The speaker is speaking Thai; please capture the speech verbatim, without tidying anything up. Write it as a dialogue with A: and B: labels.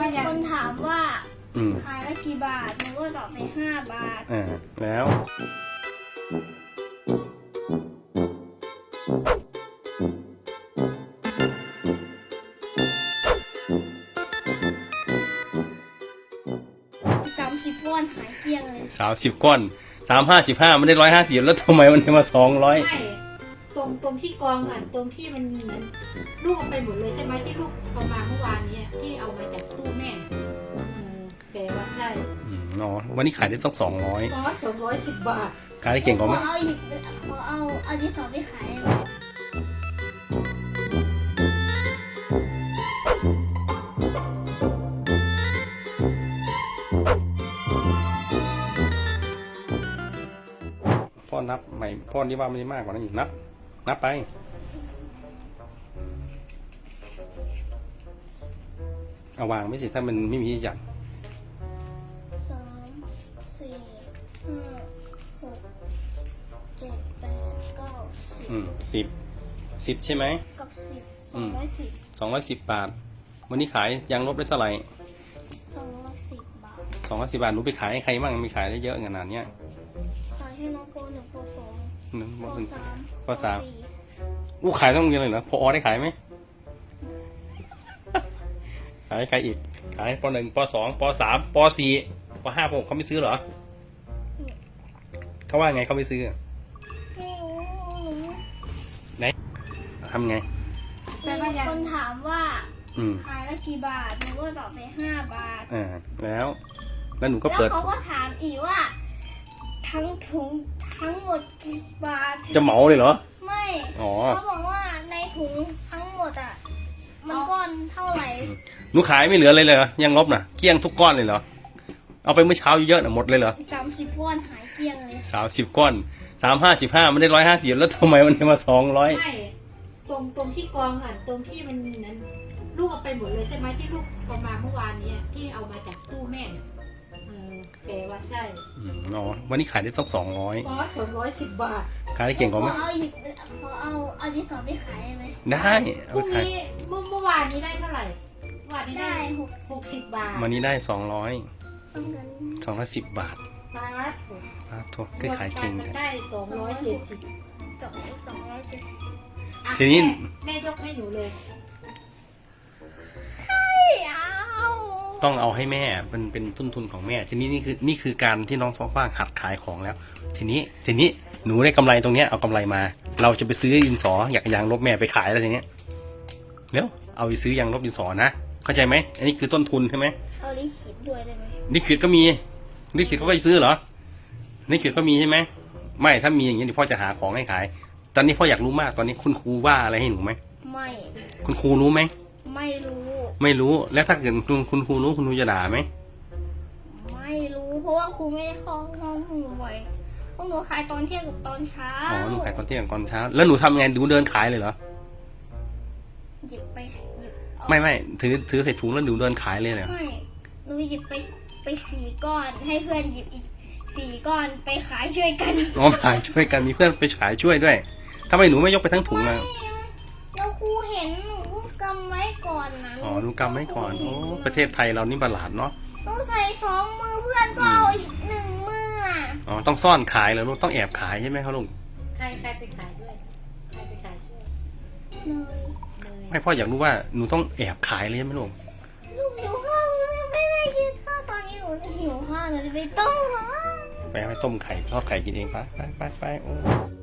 A: คนถามว่า
B: อืม
A: ขายละกี่บาทหนูก็ตอบไปห้าบาท
B: อ่าแล้ว
A: สามสิบก้อนหายเกลี้ยงเลย
B: สามสิบก้อนสามห้าสิบห้ามันได้ร้อยห้าสิบแล้วทำไมมันมาสองร้อย
C: ไม่ตรงตรงที่กองอ่ะตรงที่มันเหมือนลูกเอาไปหมดเลยใช่ไหมที่ลูกเอามาเมื่อวานนี้ที่เอามาจากตู้แม่เออแต่ว่าใช่
B: อืมเนาะวันนี้ขายได้ต้องสองร้อย
C: อ๋อสองร้อยสิบบาท
B: ขายได้เก่งกว่า
A: ข
B: ไหม
A: อเอาหยิบขอเอาเอาดินสอไปขายได้ไหม
B: พ่อนับใหม่พ่อนี่ว่ามันได้มากกว่านั้นอีกนับ นับไปเอาวางไม่สิถ้ามันไม่มีที่จับ
A: สามสี่ห้าหกเจ็ดแปดเก้าสิบ
B: อืมสิบสิบใช่ไหม
A: กับสิบสองร้อยสิบ
B: สองร้อยสิบบาท วันนี้ขายยางลบได้เท่าไหร่
A: สองร้อยสิบบาท
B: สองร้อยสิบบาทหนูไปขายให้ใครบ้างมีขายได้เยอะขนาดเนี้ย
A: ขายให้น้องโปรหนึ่งโปรสอง
B: หนึ่ง
A: โปร
B: หนึ่ง
A: สาม
B: โปรสาม
A: สี่
B: อู้ขายต้องโรงเรียนเลยเหรอพอได้ขายไหม ขายใครอีก ขายปหนึ่งปสองปสามปสี่ปห้าปหกเขาไม่ซื้อเหรอ เขาว่าไงเขาไม่ซื้อ
A: ไม่รู้
B: ทำไง
C: แต่ก็ยัง
A: คนถามว่า
B: อืม
A: ขายละกี่บาทหนูก็ตอบไปห้าบาท
B: อ่าแล้ว แล้วหนูก็
A: แล้ว
B: เปิด
A: เขาก็ถามอีกว่า ทั้งถุงทั้งหมดกี่บาท
B: จะเหมาเลยเหรอ
A: ไม่
B: อ๋อ
A: เขาบอกว่าในถุงทั้งหมดอ่ะ มันก้อนเท่าไหร่
B: หนูขายไม่เหลือเลยเลยเหรอยังลบน่ะเกลี้ยงทุกก้อนเลยเหรอ เอาไปเมื่อเช้าเยอะๆน่ะหมดเลยเหรอ
A: สามสิบก้อนหายเกลี้ยงเลย
B: สามสิบก้อนสามห้าสิบห้ามันได้ร้อยห้าสิบแล้วทำไมมันมาสองร้อย
C: ไม่ตรงตรงที่กองอ่ะตรงที่มันนั้นลูกเอาไปหมดเลยใช่ไหมที่ลูกเอามาเมื่อวานนี้ที่เอามาจากตู้แม่เออแต่ว่าใช่
B: อืมเนาะวันนี้ขายได้ต้องสองร้อย
C: อ๋อสองร้อยสิบบาท
B: ขายได้เก่งกว่าไหม
A: ขอเอาหยิบขอเอาเอาดินสอไปขายได้ไหม
B: ได้
C: พ
B: เอา
C: รุ่ง
B: ไปขาย
C: นี้เมื่อเมื่อวานนี้ได้เท่าไหร่เมื่อวานนี้ได้
A: ได้หก
C: หกสิบบาท
B: วันนี้ได้สองร้อย
A: ต้องกัน
B: สองร้อยสิบบาท
C: บาท
B: อ้าวโทษก็ขายเก่ง
C: รวม
B: เล
C: กัน
B: ย
C: ได้สองร้อยเจ็ดสิบ
A: สองสองร้อยเจ็ดสิบ
C: อ่ะ
B: ทีนี้
C: แม่แม่ยกให้หนูเลย
A: ไม่เอา
B: ต้องเอาให้แม่เป็นเป็นต้นทุนของแม่ ทีนี้นี่คือนี่คือการที่น้องฟ้าฟ้างหัดขายของแล้ว ทีนี้ทีนี้หนูได้กำไรตรงเนี้ยเอากำไรมา เราจะไปซื้อดินสออยากยางลบแม่ไปขายแล้วทีเนี้ยเร็วเอาไปซื้อยางลบดินสอนะเข้าใจไหมอันนี้คือต้นทุนใช่ไหม
A: เอาลิขิตด้วยได้ไหม
B: ลิขิตก็มีลิขิตเขาก็ไปซื้อเหรอลิขิตก็มีใช่ไหมไม่ถ้ามีอย่างนี้เดี๋ยวพ่อจะหาของให้ขาย ตอนนี้พ่ออยากรู้มากตอนนี้คุณครูว่าอะไรให้หนูไหม
A: ไม่
B: คุณครูรู้ไหม
A: ไม่รู้
B: ไม่รู้แล้วถ้าเกิดคุณคุณครูรู้คุณครูจะด่าไหม
A: ไม่รู้ เพราะว่าครูไม่ได้เข้าห้องหนูบ่อยพวกหนูขายตอนเที่ยงกับตอนเช้า
B: อ๋อหนูขายตอนเที่ยงตอนเช้าแล้วหนูทำไงหนูเดินขายเลยเหรอ
A: หยิบไปหยิบเอา
B: ไม่ไม่ถือถือใส่ถุงแล้วหนูเดินขายเลยเหรอ
A: ไม่หนูหยิบไปไปสี่ก้อน ให้เพื่อนหยิบอีกสี่ก้อนไปขายช่วยกัน
B: น้องขายช่วยกันมีเพื่อนไปขายช่วยด้วยทำไมหนูไม่ยกไปทั้งถุง
A: ไม่
B: อ่ะ
A: แล้วครูเห็นหนูก็กำไว้ก่อนนะ
B: อ๋อหนูกำไว้ก่อนโอ้ประเทศไทยเรานี่ประหลาดเนาะ
A: หนูใส่สองมือเพื่อนก็เอาอีกหนึ่งมืออ่ะ
B: อ๋อต้องซ่อนขายเหรอลูกต้องแอบขายใช่ไหมครับลุง
C: ใครใครไปขายด้วย ใครไปขายช่วย
A: เลย
C: เลย
B: ไม่พ่ออยากรู้ว่าหนูต้องแอบขายเลยใช่ไหมลุง
A: ลูกหิวข้าวยังไม่ได้กินข้าวตอนนี้หนูหิวข้าวหนูจะไปต้มข้าว
B: ไปเอาไปต้มไข่ทอดไข่กินเองไปไปไปไปโอ้